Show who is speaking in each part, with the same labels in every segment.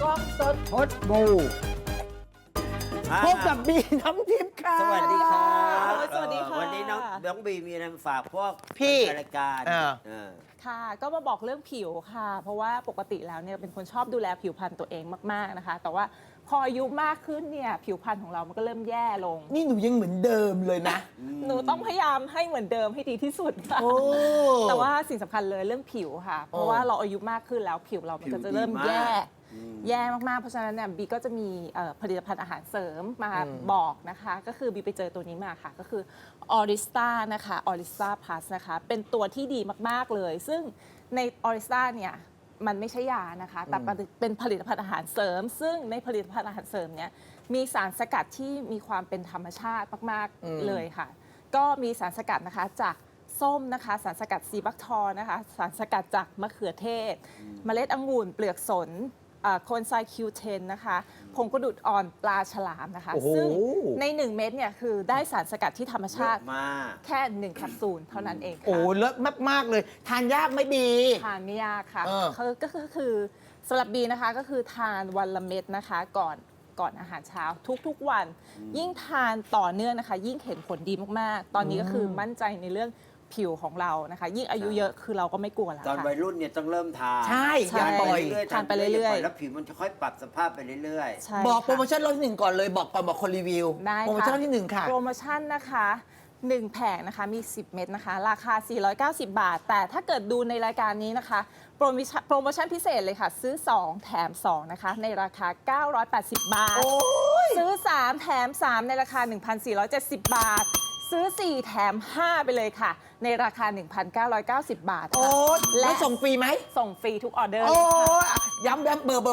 Speaker 1: กล้องสดพดบูพบกับบีน้ำทิพย์ค่ะ
Speaker 2: สวัสดีครับ
Speaker 3: สวัสดีค่ะ
Speaker 2: วันนี้น้องบีมีอะไรมาฝากพวก
Speaker 1: พี่
Speaker 2: รายการ
Speaker 3: ค่ะก็มาบอกเรื่องผิวค่ะ เพราะว่าปกติแล้วเนี่ยเป็นคนชอบดูแลผิวพรรณตัวเองมากๆนะคะ แต่ว่าพออายุมากขึ้นเนี่ยผิวพรรณของเรามันก็เริ่มแย่ลง
Speaker 1: นี่หนูยังเหมือนเดิมเลยนะ
Speaker 3: หนูต้องพยายามให้เหมือนเดิมให้ดีที่สุดค่ะ
Speaker 1: โอ้
Speaker 3: แต่ว่าสิ่งสำคัญเลยเรื่องผิวค่ะ เพราะว่าเราอายุมากขึ้นแล้วผิวเรามันก็จะเริ่มแย่มากๆเพราะฉะนั้นเนี่ยบีก็จะมีผลิตภัณฑ์อาหารเสริมมาบอกนะคะ ก็คือบีไปเจอตัวนี้มาค่ะ ก็คือออริสตานะคะออริสตาพลัสนะคะเป็นตัวที่ดีมากๆเลย ซึ่งในออริสตาเนี่ยมันไม่ใช่ยานะคะ แต่เป็นผลิตภัณฑ์อาหารเสริม ซึ่งในผลิตภัณฑ์อาหารเสริมเนี่ยมีสารสกัดที่มีความเป็นธรรมชาติมากๆเลยค่ะ ก็มีสารสกัดนะคะจากส้มนะคะสารสกัดซีบักทอร์นะคะสารสกัดจากมะเขือเทศ เมล็ดองุ่นเปลือกสนโคนไซคิวเทนนะคะผงกระดูดอ่อนปลาฉลามนะคะ
Speaker 1: โอ้โห
Speaker 3: ซึ่งใน 1 เม็ดเนี่ยคือได้สารสกัดที่ธรรมชาติ
Speaker 2: มาก
Speaker 3: แค่ 1 แคปซูลเท่านั้นเองค่ะ
Speaker 1: โอ้เลิศมาก ๆ เลย ทานยากไหม่บี
Speaker 3: ทานไม่ยากค่ะ
Speaker 1: เออ
Speaker 3: คือสำหรับบีนะคะก็คือทานวันละเม็ดนะคะก่อนอาหารเช้าทุกๆวัน ยิ่งทานต่อเนื่องนะคะ ยิ่งเห็นผลดีมากๆ ตอนนี้ก็คือมั่นใจในเรื่องผิวของเรานะคะ ยิ่งอายุเยอะคือเราก็ไม่กลัวแล้ว
Speaker 2: ตอน
Speaker 3: ค่ะ
Speaker 2: วัยรุ่นเนี่ยต้องเริ่มทาน
Speaker 1: ใช่
Speaker 3: ใช่
Speaker 1: อย่าปล่อย
Speaker 3: ทานไปเรื่อยๆ
Speaker 2: แล้วผิวมันจะค่อยปรับสภาพไปเรื่อย
Speaker 3: ใช่
Speaker 1: บอกโปรโม
Speaker 3: ค่ะ
Speaker 1: ชั่นรอบที่หนึ่งก่อนเลยบอกก่อนบอกคนรีวิว
Speaker 3: ได้ค่ะ
Speaker 1: โปรโมชั่นรอบที่หนึ่งค่ะ
Speaker 3: โปรโมชั่นนะคะ1 แผงนะคะมี 10 เม็ดนะคะ ราคา 490 บาท แต่ถ้าเกิดดูในรายการนี้นะคะโปรโมชั่นพิเศษเลยค่ะ ซื้อ 2 แถม 2 นะคะ ในราคา 980 บาท
Speaker 1: โอ้ย
Speaker 3: ซื้อ 3 แถม 3 ในราคา 1,470 บาท ซื้อ 4 แถม 5 ไปเลยค่ะ ในราคา 1,990 บาท
Speaker 1: โอ้
Speaker 3: ค่ะ
Speaker 1: ยแล้วส่งฟรีไหม
Speaker 3: ส่งฟรีทุกออเดอร์
Speaker 1: โอ้
Speaker 3: เลยค่ะ
Speaker 1: ยย้ำเบอร์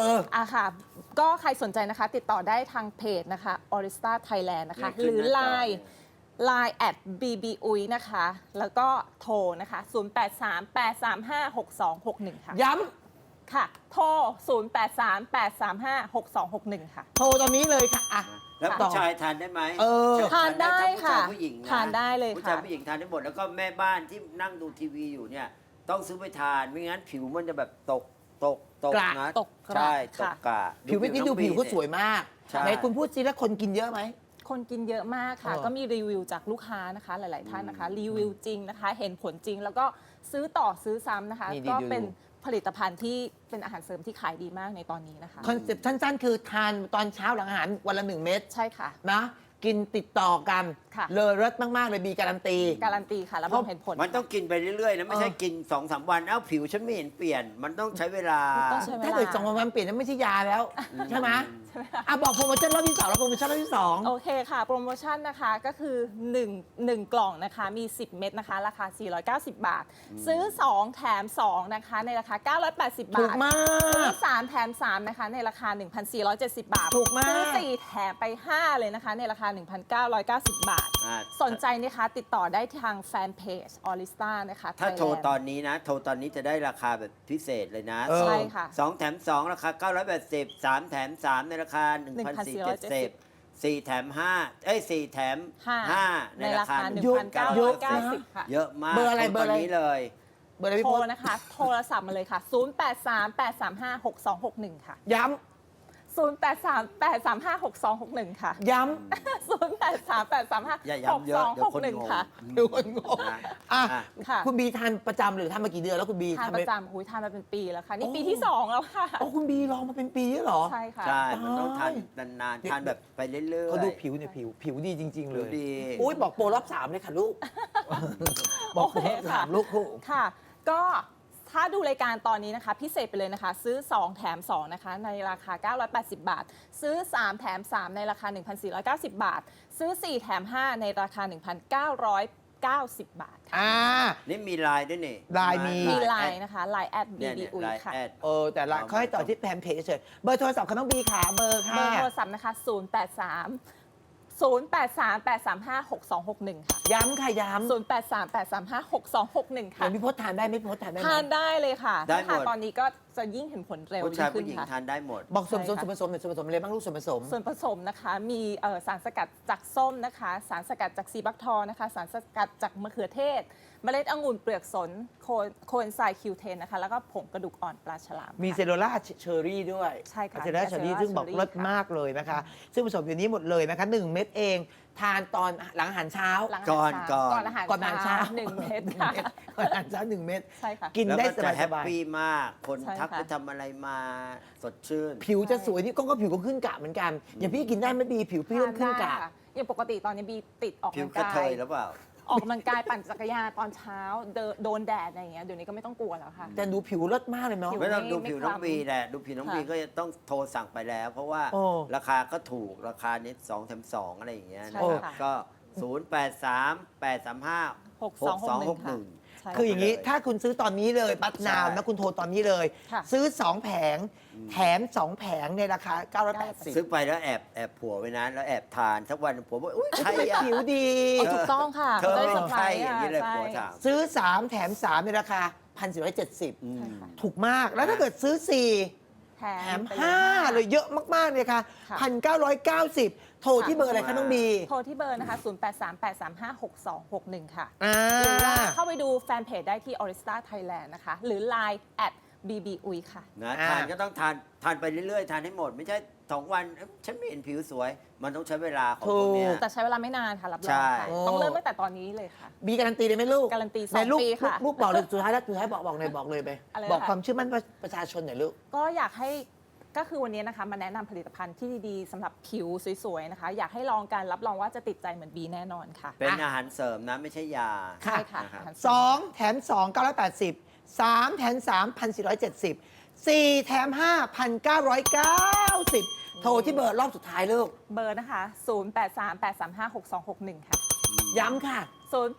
Speaker 3: อ่ะค่ะ ก็ใครสนใจนะคะ ติดต่อได้ทางเพจนะคะ Orista Thailand นะคะ หรือ Line @bbuy นะคะ แล้วก็โทรนะคะ 0838356261 ค่ะ
Speaker 1: ย้
Speaker 3: ค่ะ โทร 0838356261 ค่ะ
Speaker 1: ำโทรตอนนี้เลยค่ะอ่ะ
Speaker 2: ๆ แล้วผู้ชายทานได้ไหม
Speaker 1: เออ
Speaker 3: ทานได้ค่ะ
Speaker 2: ผู้ชายผู้หญิงนะ
Speaker 3: ทานได้เลยค่ะ
Speaker 2: ผู้ชายผู้หญิงทานได้หมดแล้วก็แม่บ้านที่นั่งดูทีวีอยู่เนี่ยต้องซื้อไปทานไม่งั้นผิวมันจะแบบตก
Speaker 1: กระ
Speaker 2: นะ
Speaker 3: ตกกระ
Speaker 2: ใช่ต
Speaker 3: ค่ะ
Speaker 2: กกระ
Speaker 1: ผิวไม่อกี้ดูผิวก็สวยมาก
Speaker 2: ใช่
Speaker 1: ไหนคุณพูดซิแล้วคนกินเยอะไหม
Speaker 3: คนกินเยอะมากค่ะ
Speaker 1: เออ
Speaker 3: ก็มีรีวิวจากลูกค้านะคะ หลาย ๆ ท่านนะคะ รีวิวจริงนะคะ เห็นผลจริง แล้วก็ซื้อต่อซื้อซ้ำนะคะ
Speaker 1: นี่
Speaker 3: ก็
Speaker 1: ดู
Speaker 3: เป็นผลิตภัณฑ์ที่เป็นอาหารเสริมที่ขายดีมากในตอนนี้นะคะ
Speaker 1: คอนเซ็ปต์สั้นๆ คือทานตอนเช้าหลังอาหารวันละ 1 เม็ด
Speaker 3: ใช่ค่ะ
Speaker 1: นะ กินติดต่อกัน
Speaker 3: ค่ะ
Speaker 1: เลอเลิศมากๆเลยบีการันตี
Speaker 3: การันตีค่ะ แล้วมันเห็นผล
Speaker 2: มันต้องกินไปเรื่อยๆนะไม่ใช่กิน 2-3 วันเอ้าผิวฉันไม่เห็นเปลี่ยน มันต้องใช้เวลา
Speaker 3: ต้องใช้
Speaker 1: ถ้าเกิด2 วันเปลี่ยนนั้นไม่ใช่ยาแล้ว ใช่ไหมอ่ะบอกโปรโมชั่นรอบที่2แล้วโปรโมชั่นรอบที่2
Speaker 3: โอเคค่ะ โปรโมชั่นนะคะก็คือ1 กล่องนะคะ มี 10 เม็ดนะคะ ราคา 490 บาท ซื้อ 2 แถม 2 นะคะ ในราคา 980 บาท
Speaker 1: ถูกมาก
Speaker 3: ซื้อ 3 แถม 3 นะคะ ในราคา 1,470 บาท
Speaker 1: ถูกมาก
Speaker 3: ซื้อ 4 แถมไป 5 เลยนะคะ ในราคา 1,990 บาท สนใจนะคะ ติดต่อได้ทางแฟนเพจออริสตานะคะ
Speaker 2: ถ้าโทร
Speaker 3: Thailand
Speaker 2: ตอนนี้นะ โทรตอนนี้จะได้ราคาแบบพิเศษเลยนะ
Speaker 1: เออ
Speaker 3: ใช่ค่ะ
Speaker 2: 2 แถม 2 ราคา 980 3 แถม 3 ในราคา 1,470 4 แถม 5 4 แถม 5 ในราคา
Speaker 1: เยอะเยอะนะ
Speaker 3: 1,990 ค่ะ
Speaker 2: เยอะมาก
Speaker 1: เบอร์อะไร
Speaker 2: โท
Speaker 1: เบอร์อะไร
Speaker 2: ตนนี้เลย
Speaker 1: เบอร์อะไรพี่
Speaker 3: โท
Speaker 1: พ
Speaker 3: ร
Speaker 1: ศ
Speaker 3: นะคะ โทรศัพท์มาเลยค่ะ 0838356261 ค่ะ
Speaker 1: ย้
Speaker 3: 0838356261 ค่ะ
Speaker 1: ำย้
Speaker 2: อย่าย้ำเยอะเดี๋ยวคนงง
Speaker 3: 0838356261 ค่ะ
Speaker 1: ำดูคนงง
Speaker 2: นะ
Speaker 1: อ่ะ
Speaker 3: ค่ะ
Speaker 1: คุณบีทานประจำหรือทานมากี่เดือนแล้วคุณบี
Speaker 3: ทาน
Speaker 1: ทำ
Speaker 3: ป
Speaker 1: ไ
Speaker 3: ระจำทานมาเป็นปีแล้วค่ะ นี่
Speaker 1: โอ้
Speaker 3: ปีที่ 2 แล้วค่ะ
Speaker 1: อ๋อคุณบีลองมาเป็นปีแล้วเหรอ
Speaker 3: ใช่ค่ะ
Speaker 2: ใช่ มันต้องทานนานๆ ทานแบบไปเรื่อยๆ
Speaker 1: เขาดูผิวเนี่ยผิวดีจริง ๆ เล
Speaker 2: ดู
Speaker 1: ย
Speaker 2: ดี
Speaker 1: อุ้ยบอกโปรรอบ 3 เลยค่ะลูก บอกโปรรอบ 3 ลูก
Speaker 3: ค่ะ ก็ถ้าดูรายการตอนนี้นะคะ พิเศษไปเลยนะคะ ซื้อ 2 แถม 2 นะคะ ในราคา 980 บาท ซื้อ 3 แถม 3 ในราคา 1,490 บาท ซื้อ 4 แถม 5 ในราคา 1,990 บาทค่ะ
Speaker 1: อ่า
Speaker 2: นี่มีไลน์ด้วยนี่
Speaker 1: ไลน์มี
Speaker 3: มีไลน์นะคะไลน์แอด
Speaker 2: เนี่ยเนี่ย
Speaker 3: BBUI
Speaker 2: ไลน์
Speaker 3: ค่ะ
Speaker 2: แอด
Speaker 1: แต่ละเขาให้ต่อที่แฟนเพจเฉยๆเบอร์โทรศัพท์เขาต้องบีขาเบอร์
Speaker 3: เบ
Speaker 1: ค่ะ
Speaker 3: อร์โทรศัพท์นะคะ 0838356261 ค่ะ
Speaker 1: ย้ำค่ะย้ำ
Speaker 3: 0838356261
Speaker 1: เดี๋
Speaker 3: ค่ะ
Speaker 1: ยวพี่พศทานได้ไหมพี่พศทานได้ไหม
Speaker 3: ทานได้เลยค่ะ
Speaker 2: ได้หมด
Speaker 3: ถ้าทานตอนนี้ก็จะยิ่งเห็นผลเร็ว
Speaker 2: ผู้ชาย
Speaker 3: ขึ้
Speaker 2: ผู้
Speaker 3: น
Speaker 2: หญิง
Speaker 3: ค่ะ
Speaker 2: ทานได้หมด
Speaker 1: บอกส่วนผสม
Speaker 3: ใช่
Speaker 1: ส่วน
Speaker 3: ค่ะ
Speaker 1: ผสมเนี่ยส่วนผสมอะไรบ้างลูกส่วนผสม
Speaker 3: ส่วนผสมนะคะมีสารสกัดจากส้มนะคะ สารสกัดจากซีบักทอนะคะ สารสกัดจากมะเขือเทศ เมล็ดองุ่นเปลือกสนโคเอนไซม์คิวเทนนะคะ แล้วก็ผงกระดูกอ่อนปลาฉลาม
Speaker 1: มีเซ
Speaker 3: ค่ะ
Speaker 1: โรล่าเชอรี่ด้วย
Speaker 3: ใช่ค่ะ
Speaker 1: เซโรล่าเชอรี่
Speaker 3: มี
Speaker 1: ซึ่งบอก
Speaker 3: Acera
Speaker 1: เลิศ
Speaker 3: Cherry
Speaker 1: มากเลยนะคะ ซึ่งผสมอยู่นี้หมดเลยนะคะ1เม็ดเอง ทานตอนหลังอาหารเช้า
Speaker 3: หลัง
Speaker 2: ก่อน
Speaker 3: ก่อนอาหาร
Speaker 1: ก่อนอาหารเช้า
Speaker 3: 1 เม็ดค่ะ
Speaker 1: ก่อนอาหารเช้า1 เม็ด
Speaker 3: ใช่ค่ะ
Speaker 1: กิน
Speaker 2: แล้ว
Speaker 1: ได้
Speaker 2: ก็
Speaker 1: ส
Speaker 2: จะ
Speaker 1: บาย
Speaker 2: แฮ
Speaker 1: ส
Speaker 2: ป
Speaker 1: บาย
Speaker 2: ปี้มาก คน
Speaker 3: ใช่
Speaker 2: ทัก
Speaker 3: ค่ะ
Speaker 2: ไปทำอะไรมาสดชื่น
Speaker 1: ผิวจะสวยนี่ก็ผิวก็ขึ้นกะเหมือนกัน อย่างพี่กินได้ไหม่บีผิวพี่เริ่มขึ้นกะ
Speaker 3: ทาได้ค่อย่างปกติตอนนี้บีติดออก
Speaker 2: ผิว
Speaker 3: กำลัง
Speaker 2: กระ
Speaker 3: กา
Speaker 2: เท
Speaker 3: ย
Speaker 2: ยหรือเปล่า
Speaker 3: ออกกำลังกายปั่นจักรยานตอนเช้าโดนแดดอะไรอย่างเงี้ยเดี๋ยวนี้ก็ไม่ต้องกลัวแล้วค่ะ
Speaker 1: แต่ดูผิวเลิศมากเลยเนาะ
Speaker 3: ผิว
Speaker 2: ไม่ต้องดู
Speaker 3: ไม่
Speaker 2: ผิว
Speaker 3: คล้ำ
Speaker 2: น้องบีแหละดูผิวน้อง
Speaker 3: ค่ะ
Speaker 2: บีก็จะต้องโทรสั่งไปแล้ว เพราะว่า
Speaker 1: โอ้
Speaker 2: ราคาก็ถูกราคานี้2 แถม 2 อะไรอย่างเงี้ย
Speaker 3: ใช่
Speaker 2: นะครับ
Speaker 3: ค่ะ
Speaker 2: ก็ 0838356261
Speaker 3: ใช่
Speaker 1: คืออย่างนี้ถ้าคุณซื้อตอนนี้เลยบัตรนาว
Speaker 2: ใช่
Speaker 1: นะคุณโทรตอนนี้เลย
Speaker 3: ค่ะ
Speaker 1: ซื้อ 2 แผง แถม 2 แผงในราคา 980
Speaker 2: ซื้อไปแล้วแอบผัวไว้นะแล้วแอบทานสักวันผัวบอกอุ้ยใคร
Speaker 1: ทำไม
Speaker 2: อ่ะ
Speaker 1: ผิวดี
Speaker 3: เอาถูกต้องค่ะ
Speaker 2: เธอ
Speaker 3: จะได้
Speaker 2: ไม่
Speaker 3: เซอร์ไพร
Speaker 2: ใช่
Speaker 3: ส์
Speaker 2: อย่างนี้เลย
Speaker 3: ใช่
Speaker 2: ผัวถาม
Speaker 1: ซื้อ 3 แถม 3 ในราคา 1,470
Speaker 2: อืม
Speaker 3: ใช่ค่ะ
Speaker 1: ถูกมาก แล้วถ้าเกิดซื้อ 4
Speaker 3: แถ
Speaker 1: แถม
Speaker 3: ไป
Speaker 1: 5 เลยเยอะมากๆเลยค่ะ
Speaker 3: ค่ะ
Speaker 1: 1,990 โทรที่เบอร์อะไรคะน้องบี
Speaker 3: โทรที่เบอร์นะคะ 0838356261 ค่ะ
Speaker 1: อ่า
Speaker 3: หรือว่าเข้าไปดูแฟนเพจได้ที่ Orista Thailand นะคะ หรือ Line @bbui ค่ะ
Speaker 2: นะ
Speaker 1: อ่า
Speaker 2: ทานก็ต้องทานไปเรื่อยๆ ทานให้หมด ไม่ใช่2 วันเอ้ยฉันไม่เห็นผิวสวย มันต้องใช้เวลาของพวกเนี้ย
Speaker 3: แต่ใช้เวลาไม่นานค่ะ รับร
Speaker 2: ใช่
Speaker 3: องค่ะ ต้องเริ่มตั้งแต่ตอนนี้เลยค่ะ
Speaker 1: บีการันตีเลยไหมลูก
Speaker 3: การันตี
Speaker 1: ไหลูก
Speaker 3: 2 ปีค่ะ
Speaker 1: ลูกบอกเลยสุดท้ายแล้วสุดท้ายบอกเลยบอกเลยไป
Speaker 3: อะไรนะคะ
Speaker 1: บอกความเชื่อมั่นประชาชนหน่อยลูก
Speaker 3: ก็อยากให้ก็คือวันนี้นะคะมาแนะนำผลิตภัณฑ์ที่ดีๆสำหรับผิวสวยๆนะคะ อยากให้ลองกันรับรองว่าจะติดใจเหมือนบีแน่นอนค่ะ
Speaker 2: เป็นอาหารเสริมนะ ไม่ใช่ยา
Speaker 3: ใช่ค่ะ
Speaker 2: นะครับ
Speaker 1: 2 แถม 2 980 3 แถม 3 1,470 4 แถม 5 1,990 โทรที่เบอร์รอบสุดท้ายลูก
Speaker 3: เบอร์นะคะ 0838356261 ค่ะ
Speaker 1: ย้ำค่ะ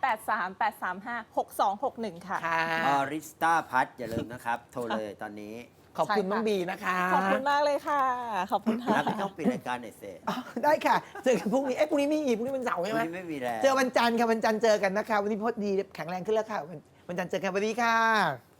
Speaker 3: 0838356261 ค่ะ
Speaker 1: ค่ะ
Speaker 2: ออริสตาพัทอย่าลืมนะครับ โทรเลยตอนนี้
Speaker 1: ขอบคุณ
Speaker 3: ใช่ค่ะ
Speaker 1: น้องบีนะคะ
Speaker 3: ขอบคุณมากเลยค่ะ ขอบคุณค่ะ
Speaker 2: แล้วพี่ต้องปิดรายการหน่อยเสร็จ
Speaker 1: อ๋อได้ค่ะ เจอกันพรุ่งนี้ พรุ่งนี้ไม่มีพรุ่งนี้วันเสาร์
Speaker 2: วั
Speaker 1: ใช่
Speaker 2: น
Speaker 1: ไหม
Speaker 2: นี้ไม่มีแล้ว
Speaker 1: เจอวันจันทร์ค่ะวันจันทร์เจอกันนะคะ วันนี้พอดีแข็งแรงขึ้นแล้วค่ะวันจันทร์เจอกันสวัสดีค่ะ